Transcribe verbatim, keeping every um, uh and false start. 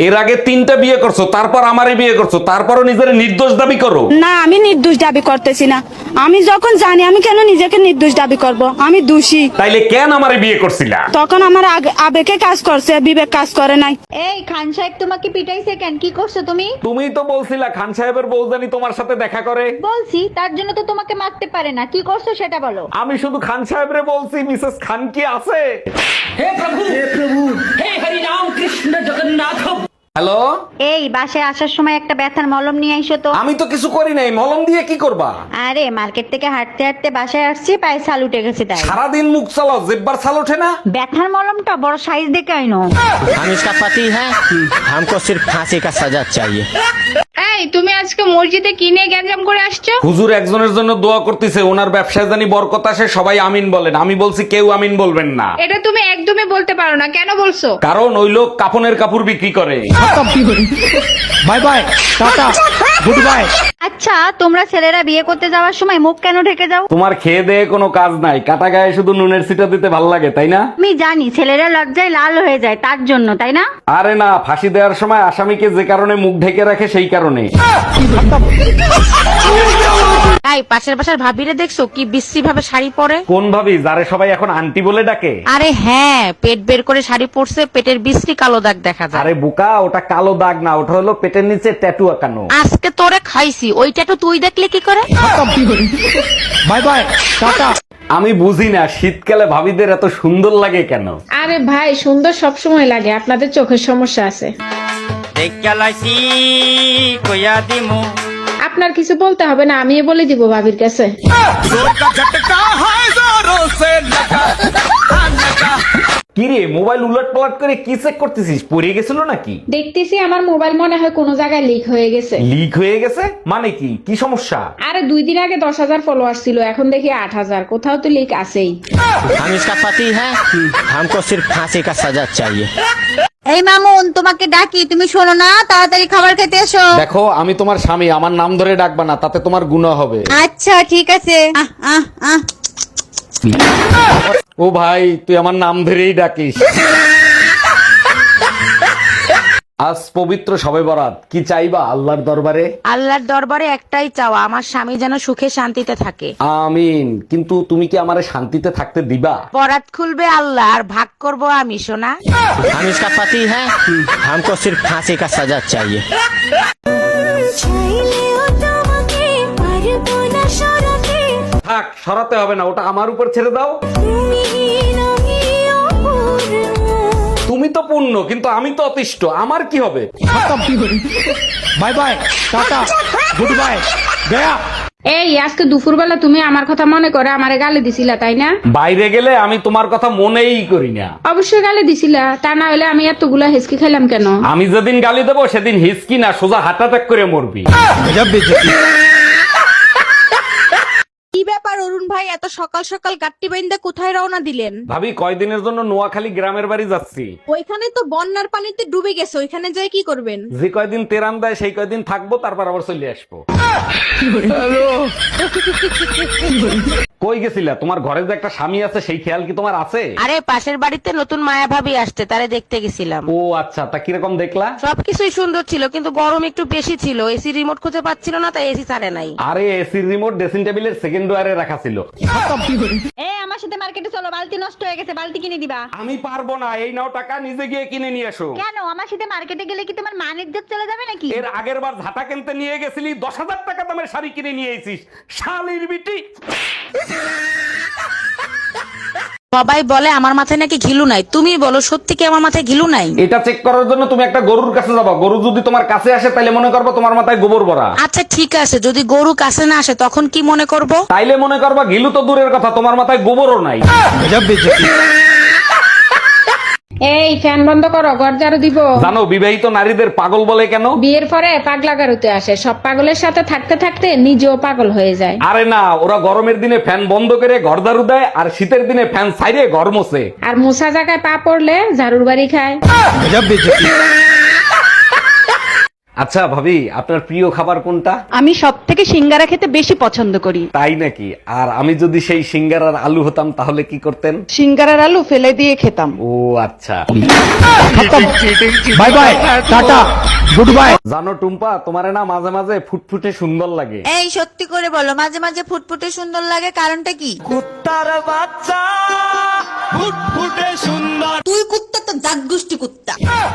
এর আগে তিনটা বিয়ে করছো, তারপর আমারে বিয়ে করছো, তারপরও নিজের নির্দোষ দাবি করো। না, আমি নির্দোষ দাবি করতেছি না। আমি যখন জানি, আমি কেন নিজেকে নির্দোষ দাবি করব? আমি দোষী। তাইলে কেন আমারে বিয়ে করছিলা? তখন আমার আগ- আবেগে কাজ করছে, বিবেক কাজ করে নাই। এই খান সাহেব তোমাকে পিটাইছে কেন? কি করছো তুমি? তুমিই তো বলছিলা খান সাহেবের বউজানি তোমার সাথে দেখা করে। বলছি, তার জন্য তো তোমাকে মারতে পারে না। কি করছো সেটা বলো। আমি শুধু খান সাহেবরে বলছি, মিসেস খান কি আছে? হ্যালো, এই বাসায় আসার সময় একটা ব্যথার মলম নিয়ে আইসো তো। আমি তো কিছু করি নাই, মলম দিয়ে কি করবা? আরে মার্কেট থেকে হাঁটতে হাঁটতে বাসায় আসছি, পায়ে ছাল উঠে গেছে তাই। সারাদিন মুখ চালাও, জিব্বার ছাল ওঠে না? ব্যথার মলমটা বড় সাইজ দেখে আইনো। हम इसका पति है, हमको सिर्फ फांसी का सजा चाहिए। এই তুমি আজকে মসজিদে কি নিয়ে গ্যাঞ্জাম করে আসছো? হুজুর একজনের জন্য দোয়া করতেছে, ওনার ব্যবসায় জানি বরকত আসে, সবাই আমিন বলেন। আমি বলছি কেউ আমিন বলবেন না, এটা তুমি একদমই বলতে পারো না, কেন বলছো? কারণ ওই লোক কাপনের কাপড় বিক্রি করে। Bye bye tata goodbye. আচ্ছা, তোমরা ছেলেরা বিয়ে করতে যাওয়ার সময় মুখ কেন ঢেকে যাও? তোমার খেয়ে দেয়ে কোনো কাজ নাই, কাটা গায়ে শুধু নুনের ছিটা দিতে ভাল লাগে, তাই না? আমি জানি ছেলেরা লজ্জায় লাল হয়ে যায়, তার জন্য, তাই না? আরে না, ফাঁসি দেওয়ার সময় আসামিকে যে কারণে মুখ ঢেকে রাখে সেই কারণে। এই পাশের বাসার ভাবিরে দেখছো কি বিশ্রী ভাবে শাড়ি পরে? কোন ভাবি, যারে সবাই এখন আন্টি বলে ডাকে? আরে হ্যাঁ, পেট বের করে শাড়ি পরছে, পেটের বিশ্রী কালো দাগ দেখা যায়। আরে বোকা, ওটা কালো দাগ না, ওটা হলো পেটের নিচে ট্যাটু আঁকানো। আজকে তোরে খাইছি, ওইটা তো তুই দেখলে কি করে? Bye bye tata. আমি বুঝি না শীতকালে ভাবিদের এত সুন্দর লাগে কেন। আরে ভাই, সুন্দর সব সময় লাগে, আপনাদের চোখের সমস্যা আছে। देख क्या लाइसी कोया दिमो। আপনার কিছু বলতে হবে না, আমি বলে দিব ভাবির কাছে। কি রে, মোবাইল উলট পালট করে কি চেক করতেছিস? পড়ে গেছিল নাকি? দেখতেছি আমার মোবাইল মনে হয় কোনো জায়গায় লিক হয়ে গেছে। লিক হয়ে গেছে মানে কি? কি সমস্যা? আরে দুই দিন আগে দশ হাজার ফলোয়ার ছিল, এখন দেখি আট হাজার। কোথাও তো লিক আছেই। हम इसका पति है, हमको सिर्फ फांसी का सजा चाहिए। এই মামুন, তোমাকে ডাকি, তুমি শোনো না, তাড়াতাড়ি খাবার খেতে এসো। দেখো, আমি তোমার স্বামী, আমার নাম ধরে ডাকবা না, তাতে তোমার গুনাহ হবে। আচ্ছা ঠিক আছে। আহ আহ আহ ও ভাই, তুই আমার নাম ধরেই ডাকিস। আজ পবিত্র শবে বরাত, কি চাইবা আল্লাহর দরবারে? আল্লাহর দরবারে একটাই চাওয়া, আমার স্বামী যেন সুখে শান্তিতে থাকে। আমিন। কিন্তু তুমি কি আমারে শান্তিতে থাকতে দিবা? বরাত খুলবে আল্লাহ, আর ভাগ করব আমি, সোনা। हम इसका पति है, हमको सिर्फ फांसी का सजा चाहिए। থাক, সরাতে হবে না, ওটা আমার উপর ছেড়ে দাও। তুমি তো পূর্ণ, কিন্তু আমি তো অতিষ্ঠ, আমার কি হবে? Bye bye tata goodbye गया। এই আজকে দুপুরবেলা তুমি আমার কথা মনে করে আমারে গালি দিছিলা, তাই না? বাইরে গেলে আমি তোমার কথা মনেই করি না। অবশ্যই গালি দিছিলা, তা না হলে আমি এতগুলা হেসকি খাইলাম কেন? আমি যেদিন গালি দেবো সেদিন হিসকি না, সোজা হার্ট অ্যাটাক করে মরবি। गजब बेइज्जती। কি ব্যাপার অরুণ ভাই, এত সকাল সকাল গাট্টি বাইন্দা কোথায় রওনা দিলেন? ভাবি, কয়দিনের জন্য নোয়াখালী গ্রামের বাড়ি যাচ্ছি। ওইখানে তো বন্যার পানিতে ডুবে গেছে, ওইখানে যাই কি করবেন? যে কয়দিন তেরান দেয় সেই কয়দিন থাকবো, তারপর আবার চলে আসবো। কই গেছিলা? তোমার ঘরে যে একটা স্বামী আছে সেই খেয়াল কি তোমার আছে? আরে পাশের বাড়িতে নতুন মায়া ভাবি আসতে, তারে দেখতে গেছিলাম। ও আচ্ছা, তা কিরকম দেখলা? সবকিছুই সুন্দর ছিল, কিন্তু গরম একটু বেশি ছিল। এসি রিমোট খুঁজে পাচ্ছিল না, তাই এসি ছাড়ে নাই। আরে এসির রিমোট ড্রেসিং টেবিলের সেকেন্ড ওয়ারে রাখা ছিল। এ আমার সাথে মার্কেটে চলো, বালতি নষ্ট হয়ে গেছে, বালতি কিনে দিবা। আমি পারবো না, এই নাও টাকা, নিজে গিয়ে কিনে নিয়ে এসো। কেন? আমার সাথে মার্কেটে গেলে কি তোমার মান ইজ্জত চলে যাবে নাকি? এর আগের বার ঝাঁটা কিনতে নিয়ে গেছিলি, দশ হাজার টাকা দামের শাড়ি কিনে নিয়ে এসিস, শালির বিটি। সবাই বলে আমার মাথায় নাকি ঘিলু নাই, তুমি বলো সত্যি কি আমার মাথায় ঘিলু নাই? এটা চেক করার জন্য তুমি একটা গরুর কাছে যাবা। গরু যদি তোমার কাছে আসে তাইলে মনে করবো তোমার মাথায় গোবর ভরা। আচ্ছা ঠিক আছে, যদি গরু কাছে না আসে তখন কি মনে করব? তাইলে মনে করবা গিলু তো দূরের কথা, তোমার মাথায় গোবরও নাই। गजब बेइज्जती। এই ফ্যান বন্ধ করো, ঘর ঝাড়ু দিব। জানো বিবাহিত নারীদের পাগল বলে কেন? বিয়ের পরে পাগলা গারুতে আসে, সব পাগলের সাথে থাকতে থাকতে নিজেও পাগল হয়ে যায়। আরে না, ওরা গরমের দিনে ফ্যান বন্ধ করে ঘর ঝাড়ু দেয়, আর শীতের দিনে ফ্যান ছাইরে ঘর মোছে। আর মোছা জায়গায় পা পড়লে ঝাড়ুর বাড়ি খায়। गजब बेइज्जती। আচ্ছা ভাবি, আপনার প্রিয় খাবার কোনটা? আমি সব থেকে সিঙ্গারা খেতে বেশি পছন্দ করি। তাই নাকি? আর আমি যদি সেই সিঙ্গারার আলু হতাম তাহলে কি করতেন? সিঙ্গারার আলু ফেলে দিয়ে খেতাম। ও আচ্ছা। Bye bye tata goodbye. জানো টুম্পা, তোমারে না মাঝে মাঝে ফুটফুটে সুন্দর লাগে। এই সত্যি করে বলো, মাঝে মাঝে ফুটফুটে সুন্দর লাগে, কারণটা কি? কুত্তার বাচ্চা ফুটফুটে সুন্দর। তুই কুত্তা তো জাত গোষ্ঠী কুত্তা।